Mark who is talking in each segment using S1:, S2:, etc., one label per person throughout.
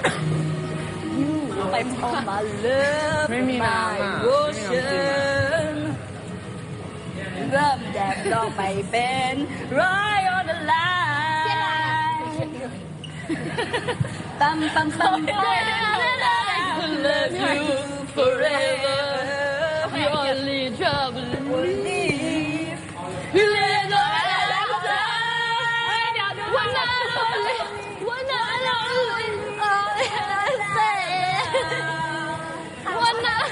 S1: ไปพอมาเลิฟ
S2: ไม่มีน้ำอ่ะ
S1: โรชั่นเริ่มแดดลองไปเป็น right on the line ปั๊มปั๊มปั๊ม I love you forever you only trouble me you let goวันนั้นวันนั้นวันนั้น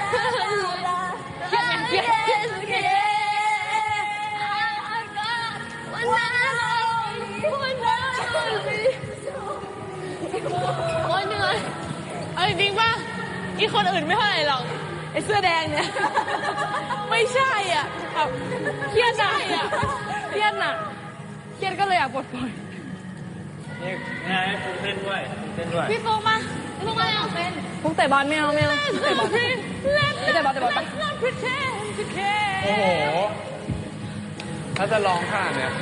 S1: โอ้ยเหนื่อยเอาจริงๆป่ะอีคนอื่นไม่เท่าไหร่หรอกไอ้เสื้อแดงเนี่ยไม่ใช่อ่ะแบบเครียดหนักอ่ะเครียดหนักเครียดก็เลยอยากปลดปล่อย
S2: นี่ไงฟูเต้นด้วยเต้นด้วย
S1: พี่โฟมาพี่โฟมาเอาเป็น
S2: ฟุกเตะบอลไม่เอาไม่เอาเตะบอลเตะบอลปะโอ้โหถ้าจะร้องขนาดเนี้ย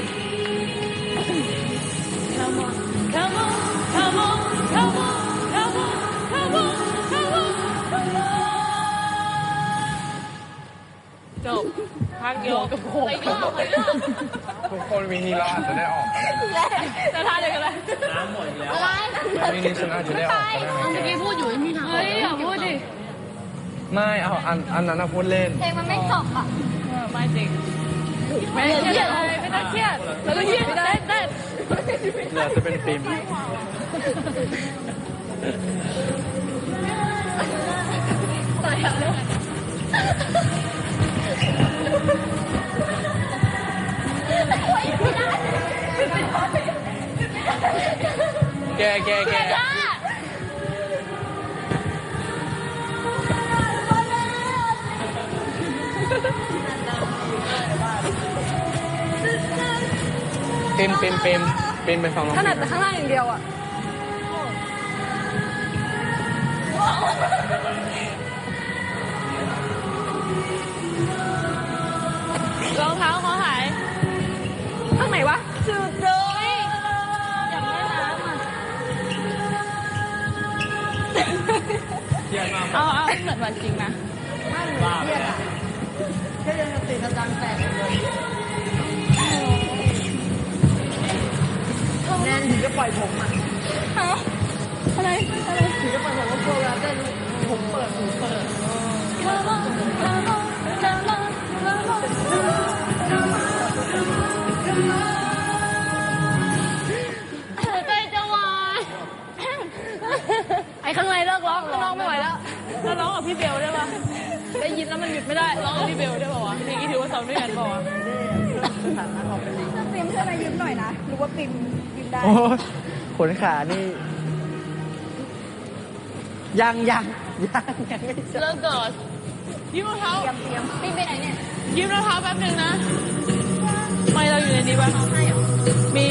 S1: Come on come on come on come on come on come on come on come on จบพักโยกกับโขก
S2: ทุกคนวีนี้เราอาจจะได้ออกกันนะ
S1: จะทานอะไรกันเลยน้ำหมดแล้วอะไร
S2: วีนี้ฉันอาจจะได้ออกกันนะ
S1: เมื่อกี้พูดอยู่ที่ทางเฮ้ยอย่าพูดดิ
S2: ไม่เอาอันนั้นพูดเล่น
S1: เพลงมันไม่จบอ่ะไม่จริงไม่เครียดไม่ต้องเครียดแล้วก็เครียดได้
S2: เหลือจะเป็นฟิล์มแกเป็นไปฟังร้อง
S1: ขนาดแต่ข้างล่างอย่างเดียวอ่ะรองเท้าเขาหายข้างไหนวะจุดโดยอยากเล่นน้ำอ่ะ
S2: เยี่ยมมาก
S1: เอาเหมือนวันจริงนะ
S2: บ้า
S1: ไม่เหมือนเครียดอ่ะแค่เดินสติสตังแตกเลยแน่นถึงจะปล่อยผมอ่ะฮะอะไรถึงจะปล่อยผมว่าโปรแกรมได้ผมเปิดหูเปิดใจจะวายไอ้ข้างในเลิกร้องข้างนอกไม่ไหวแล้วแล้วร้องกับพี่เบลได้ปะได้ยินแล้วมันหยุดไม่ได้ร้องกับพี่เบลได้ปะวะเพลงนี้ถือว่าซ้อมด้วยกันปะวะปิมช่วยมายืมหน่อยนะรู้ว่าปิมยืมได้
S2: โอ้ขนขานี่ยังไม่เจอ
S1: เลิกเกิดยืมรองเท้าเตรียมปิมไปไหนเนี่ยยืมรองเท้าแป๊บนึงนะไม่เราอยู่ในนี้ปะมี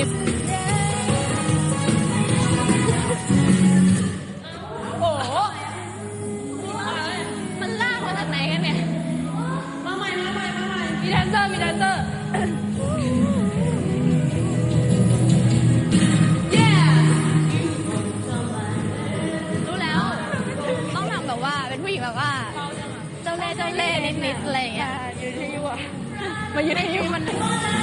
S1: โอ้โหมันลากมาจากไหนกันเนี่ยมาใหม่มีแดนเซอร์รู้แล้วต้องทำแบบว่าเป็นผู้หญิงแบบว่าเจ้าเล่ห์นิดๆอะไรอย่างเงี้ยอยู่ที่ยูอะมาอยู่ที่ยูมัน